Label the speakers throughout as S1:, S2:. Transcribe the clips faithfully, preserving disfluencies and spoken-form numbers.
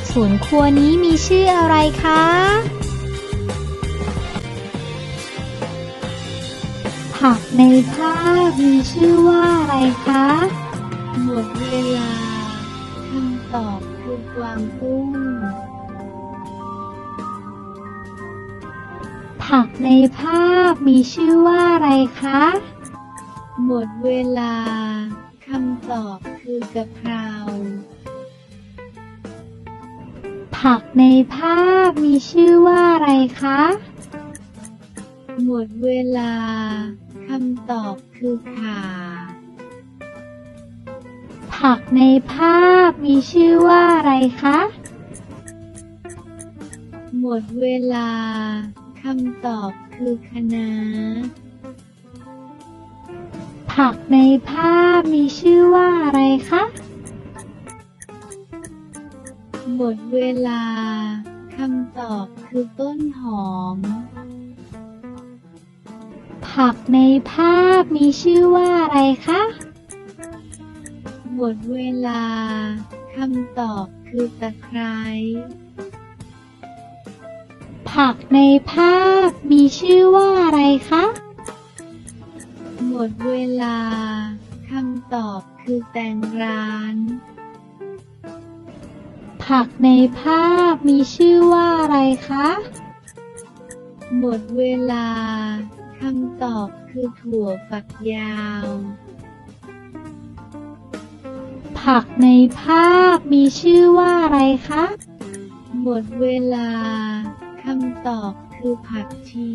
S1: สวนครัวนี้มีชื่ออะไรคะผักในภาพมีชื่อว่าอะไรคะ
S2: หมดเวลาคำตอบคือกวางตุ้ง
S1: ผักในภาพมีชื่อว่าอะไรคะ
S2: หมดเวลาคำตอบคือกะเพรา
S1: ผักในภาพมีชื่อว่าอะไรคะ
S2: หมดเวลาคำตอบคือข่า
S1: ผักในภาพมีชื่อว่าอะไรคะ
S2: หมดเวลาคำตอบคือคะน้า
S1: ผักในภาพมีชื่อว่าอะไรคะ
S2: หมดเวลาคำตอบคือต้นหอม
S1: ผักในภาพมีชื่อว่าอะไรคะ
S2: หมดเวลาคำตอบคือตะไคร้
S1: ผักในภาพมีชื่อว่าอะไรคะ
S2: หมดเวลาคำตอบคือแตงร้าน
S1: ผักในภาพมีชื่อว่าอะไรคะ
S2: หมดเวลาคำตอบคือถั่วฝักยาว
S1: ผักในภาพมีชื่อว่าอะไรคะ
S2: หมดเวลาคำตอบคือผักชี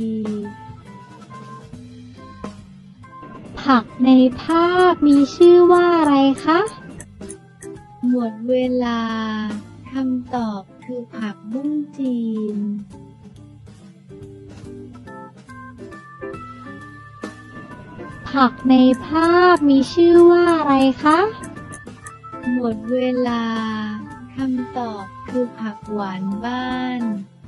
S1: ผักในภาพมีชื่อว่าอะไรคะ
S2: หมดเวลาคำตอบคือผักบุ้งจีน
S1: ผักในภาพมีชื่อว่าอะไรคะ
S2: หมดเวลาคำตอบคือผักหวานบ้าน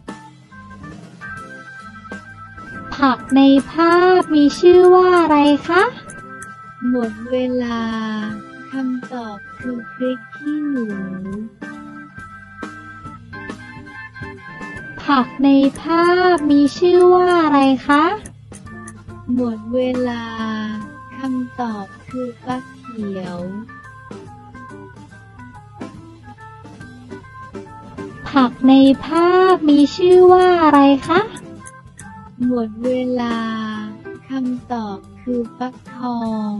S1: ผักในภาพมีชื่อว่าอะไรคะ
S2: หมดเวลาคำตอบคือพริกขี้หนู
S1: ผักในภาพมีชื่อว่าอะไรคะ
S2: หมดเวลาคำตอบคือฟักเขียว
S1: ผักในภาพมีชื่อว่าอะไรคะ
S2: หมดเวลาคำตอบคือฟักทอง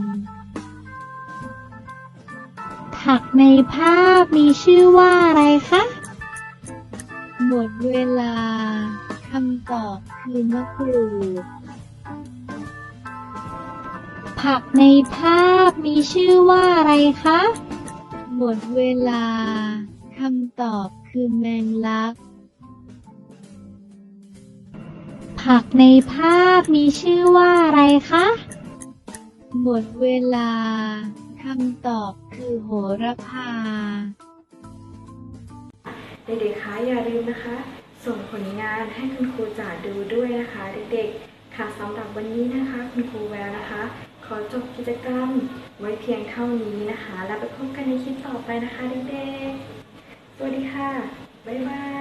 S1: ผักในภาพมีชื่อว่าอะไรคะ
S2: หมดเวลาคำตอบคือมะกรูด
S1: ผักในภาพมีชื่อว่าอะไรคะ
S2: หมดเวลาคำตอบคือแมงลัก
S1: ผักในภาพมีชื่อว่าอะไรคะ
S2: หมดเวลาคำตอบคือโหระพา
S3: เด็กๆคะอย่าลืมนะคะส่งผลงานให้คุณครูจ๋าดูด้วยนะคะเด็กๆค่ะสำหรับวันนี้นะคะคุณครูแววนะคะขอจบกิจกรรมไว้เพียงเท่านี้นะคะแล้วไปพบกันในคลิปต่อไปนะคะเด็กๆสวัสดีค่ะบ๊ายบาย